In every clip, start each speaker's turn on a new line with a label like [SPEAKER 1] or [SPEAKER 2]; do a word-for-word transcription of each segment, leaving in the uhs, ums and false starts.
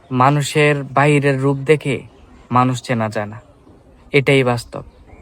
[SPEAKER 1] মানুষের বাইরের রূপ দেখে মানুষ চেনা যায় না, এটাই বাস্তব।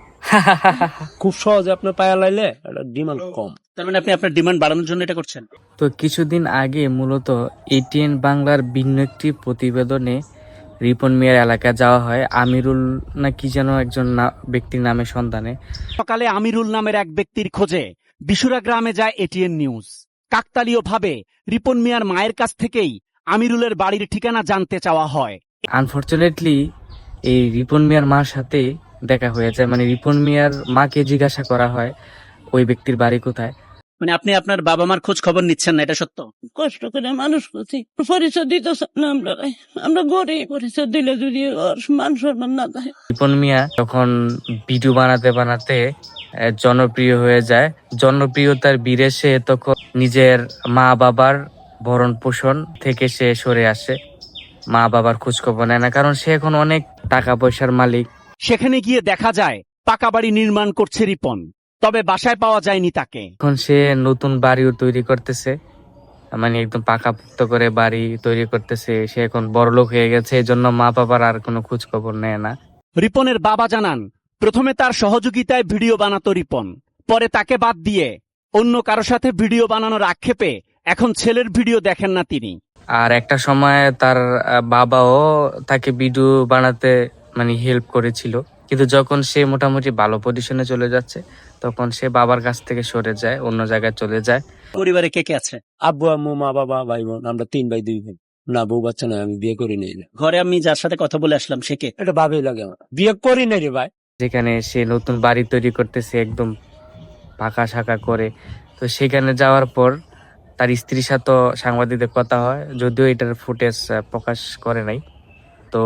[SPEAKER 2] খুব সহজে আপনার পায়া লাইলে এটা ডিমান্ড কম।
[SPEAKER 3] তার মানে আপনি আপনার ডিমান্ড বাড়ানোর জন্য এটা করছেন।
[SPEAKER 1] তো কিছুদিন আগে মূলত এটিএন বাংলার ভিন্ন একটি প্রতিবেদনে রিপন মিয়ার এলাকায় যাওয়া হয়। আমিরুল না কি যেন একজন ব্যক্তির নামে সন্ধানে
[SPEAKER 3] সকালে আমিরুল নামের এক ব্যক্তির খোঁজে বিশুরা গ্রামে যায় এটিএন নিউজ। কাকতালীয় ভাবে রিপন মিয়ার মায়ের কাছ থেকেই আমিরুলের বাড়ির ঠিকানা জানতে চাওয়া হয়।
[SPEAKER 1] আনফরচুনেটলি এই রিপন মিয়ার মার সাথে দেখা হয়ে যায়, মানে রিপন মিয়ার মাকে জিজ্ঞাসা করা হয় ওই ব্যক্তির বাড়ি কোথায়।
[SPEAKER 3] মানে আপনি আপনার বাবা মার খোঁজ খবর নিচ্ছেন না, এটা সত্য?
[SPEAKER 4] কষ্ট করে মানুষ করছি, পরিচয় দিতে না, আমরা আমরা গরিব, পরিচয় দিলে যদি মান সম্মান না থাকে।
[SPEAKER 1] রিপন মিয়া তখন ভিডিও বানাতে বানাতে জনপ্রিয় হয়ে যায়। জনপ্রিয়তার বীরে সে তখন নিজের মা বাবার ভরণ পোষণ থেকে সে সরে আসে, মা বাবার খোঁজ খবর নেয় না, কারণ সে এখন অনেক টাকা পয়সার মালিক।
[SPEAKER 3] সেখানে গিয়ে দেখা যায় পাকা বাড়ি নির্মাণ করছে রিপন, তবে বাসায় পাওয়া যায়নি তাকে।
[SPEAKER 1] এখন সে নতুন বাড়িও তৈরি করতেছে, মানে একদম পাকাপোক্ত করে বাড়ি তৈরি করতেছে। সে এখন বড়লোক হয়ে গেছে, এই জন্য মা বাবার আর কোনো খোঁজ খবর নেয় না।
[SPEAKER 3] রিপনের বাবা জানান, প্রথমে তার সহযোগিতায় ভিডিও বানাতো রিপন, পরে তাকে বাদ দিয়ে অন্য কারো সাথে ভিডিও বানানোর আক্ষেপে এখন ছেলের ভিডিও দেখেন না তিনি।
[SPEAKER 1] আর একটা সময় তার বাবাও তাকে ভিডিও বানাতে মানে হেল্প করেছিল, কিন্তু যখন সে মোটামুটি ভালো পজিশনে চলে যাচ্ছে তখন সে বাবার কাছ থেকে সরে যায়, অন্য জায়গায় চলে যায়।
[SPEAKER 3] পরিবারে কে কে আছে?
[SPEAKER 2] আব্বু আম্মু মা বাবা ভাই বোন, আমরা তিন ভাই দুই বোন। না বউ বাচ্চা নয়, আমি বিয়ে করি নাই।
[SPEAKER 3] ঘরে আমি যার সাথে কথা বলে আসলাম সে কে?
[SPEAKER 2] এটা ভাবেই লাগে আমার, বিয়ে করি নাই রে ভাই।
[SPEAKER 1] যেখানে সে নতুন বাড়ি তৈরি করতেছে একদম পাকা শাখা করে, তো সেখানে যাওয়ার পর তার স্ত্রীর সাথে সাংবাদিকদের কথা হয়, যদিও এটার ফুটেজ প্রকাশ করে নাই। তো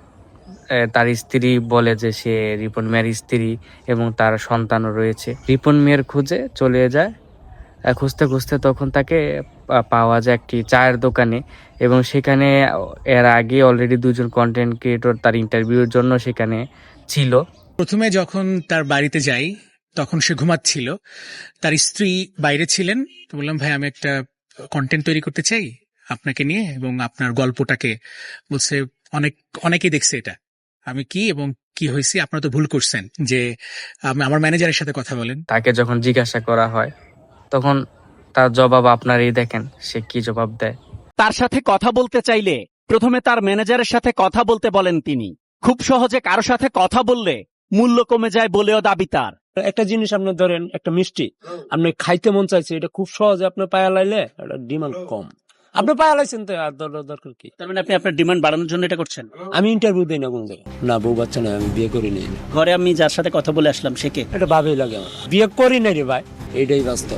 [SPEAKER 1] তার স্ত্রী বলে যে সে রিপন মিয়ার স্ত্রী এবং তার সন্তানও রয়েছে। রিপন মিয়ার খুঁজে চলে যায়, খুঁজতে খুঁজতে তখন তাকে পাওয়া যায় একটি চায়ের দোকানে, এবং সেখানে এর আগে অলরেডি দুজন কন্টেন্ট ক্রিয়েটর তার ইন্টারভিউর জন্য সেখানে ছিল।
[SPEAKER 5] প্রথমে যখন তার বাড়িতে যাই তখন সে ঘুমাচ্ছিল, তার স্ত্রী বাইরে ছিলেন। তো বললাম, ভাই আমি একটা কন্টেন্ট তৈরি করতে চাই আপনাকে নিয়ে এবং আপনার গল্পটাকে। বলছে অনেক অনেকেই দেখছে এটা, আমি কি এবং কি হয়েছি, আপনারা তো ভুল করছেন, যে আমার ম্যানেজারের সাথে কথা বলেন।
[SPEAKER 1] তাকে যখন জিজ্ঞাসা করা হয় তখন তার জবাব আপনারই দেখেন সে কি জবাব দেয়।
[SPEAKER 3] তার সাথে কথা বলতে চাইলে প্রথমে তার ম্যানেজারের সাথে কথা বলতে বলেন তিনি। খুব সহজে কারো সাথে কথা বললে মূল্য কমে যায় বলেও দাবি তার।
[SPEAKER 2] একটা জিনিস আপনি ধরেন, একটা মিষ্টি আপনি খাইতে মন চাইছে, এটা খুব সহজে আপনার পায়া লাইলে এটা ডিমান্ড কম। আপনি পায়া লাইছেন তো আর দরকার কি?
[SPEAKER 3] তার মানে আপনি আপনার ডিমান্ড বাড়ানোর জন্য এটা করছেন?
[SPEAKER 2] আমি ইন্টারভিউ দিই না কোন জায়গায়। না বউ বাচ্চা নয়, আমি বিয়ে করি নাই।
[SPEAKER 3] ঘরে আমি যার সাথে কথা বলে আসলাম সে কে?
[SPEAKER 2] এটা ভাবেই লাগে আমার, বিয়ে করি নাই রে ভাই, এইটাই বাস্তব।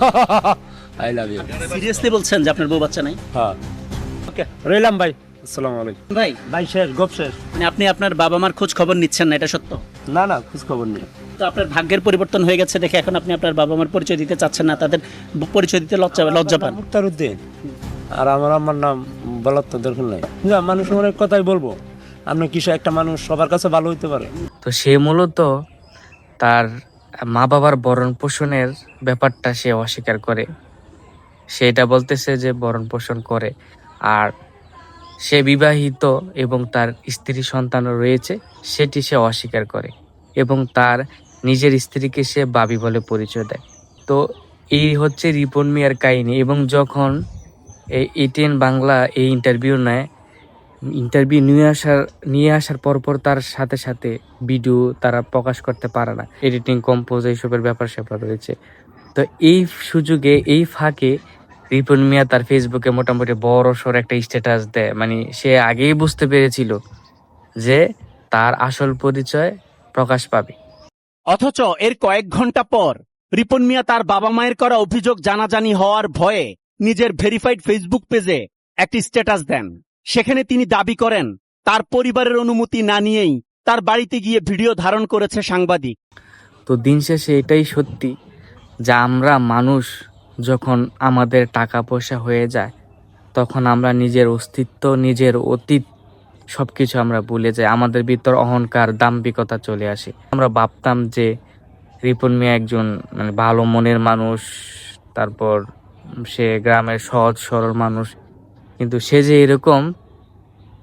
[SPEAKER 2] I love you.
[SPEAKER 3] সিরিয়াসলি বলছেন যে আপনার বউ বাচ্চা নাই?
[SPEAKER 2] হ্যাঁ, ওকে, রইলাম ভাই, আসসালামু আলাইকুম।
[SPEAKER 3] ভাই
[SPEAKER 2] ভাই শেষ, গপ শেষ।
[SPEAKER 3] মানে আপনি আপনার বাবা মার খোঁজ খবর নিচ্ছেন না, এটা সত্য?
[SPEAKER 2] না না, খোঁজ খবর নেই।
[SPEAKER 3] তো আপনার ভাগ্যের পরিবর্তন হয়ে গেছে দেখে এখন আপনি আপনার বাবা মার পরিচয় দিতে চাচ্ছেন না, তাদের পরিচয় দিতে লজ্জা লজ্জা পান।
[SPEAKER 2] মুক্তারউদ্দিন, আর আমার আমার নাম বলার তো দরকার নাই। যা মানুষ অনেক কথাই বলবো, আপনি কিছু একটা মানুষ সবার কাছে ভালো হইতে পারে।
[SPEAKER 1] তো সে মূলত তার মা বাবার ভরণ পোষণের ব্যাপারটা সে অস্বীকার করে। সেটা বলতেছে যে ভরণ পোষণ করে, আর সে বিবাহিত এবং তার স্ত্রী সন্তানও রয়েছে সেটি সে অস্বীকার করে, এবং তার নিজের স্ত্রীকে সে বাবি বলে পরিচয় দেয়। তো এই হচ্ছে রিপন মিয়ার কাহিনী। এবং যখন এই এটিএন বাংলা এই ইন্টারভিউ নেয়, ইন্টারভিউ নিয়ে আসার নিয়ে আসার পরপর তার সাথে সাথে ভিডিও তারা প্রকাশ করতে পারে না, এডিটিং কম্পোজ এইসবের ব্যাপার স্যাপার রয়েছে। তো এই সুযোগে এই ফাঁকে রিপন মিয়া তার ফেসবুকে মোটামুটি বড় সড় একটা স্ট্যাটাস দেয়, মানে সে আগেই বুঝতে পেরেছিল যে তার আসল পরিচয় প্রকাশ পাবে।
[SPEAKER 3] অথচ এর কয়েক ঘন্টা পর রিপন মিয়া তার বাবা মায়ের করা অভিযোগ জানাজানি হওয়ার ভয়ে নিজের ভেরিফাইড ফেসবুক পেজে একটি স্ট্যাটাস দেন। সেখানে তিনি দাবি করেন তার পরিবারের অনুমতি না নিয়েই তার বাড়িতে গিয়ে ভিডিও ধারণ করেছে সাংবাদিক।
[SPEAKER 1] তো দিন শেষে এটাই সত্যি যে আমরা মানুষ যখন আমাদের টাকা পয়সা হয়ে যায় তখন আমরা নিজের অস্তিত্ব, নিজের অতীত সবকিছু আমরা ভুলে যাই, আমাদের ভিতর অহংকার, দাম্ভিকতা চলে আসে। আমরা ভাবতাম যে রিপন মিয়া একজন মানে ভালো মনের মানুষ, তারপর সে গ্রামের সহজ সরল মানুষ, কিন্তু সে যে এরকম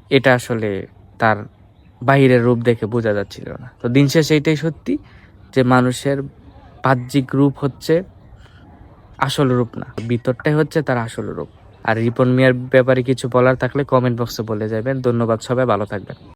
[SPEAKER 1] এটা আসলে তার বাহিরের রূপ দেখে বোঝা যাচ্ছিল না। তো দিন শেষে এটাই সত্যি যে মানুষের বাহ্যিক রূপ হচ্ছে আসল রূপ না, ভিতরটাই হচ্ছে তার আসল রূপ। আর রিপন মিয়ার ব্যাপারে কিছু বলার থাকলে কমেন্ট বক্সে বলে যাবেন। ধন্যবাদ, সবাই ভালো থাকবেন।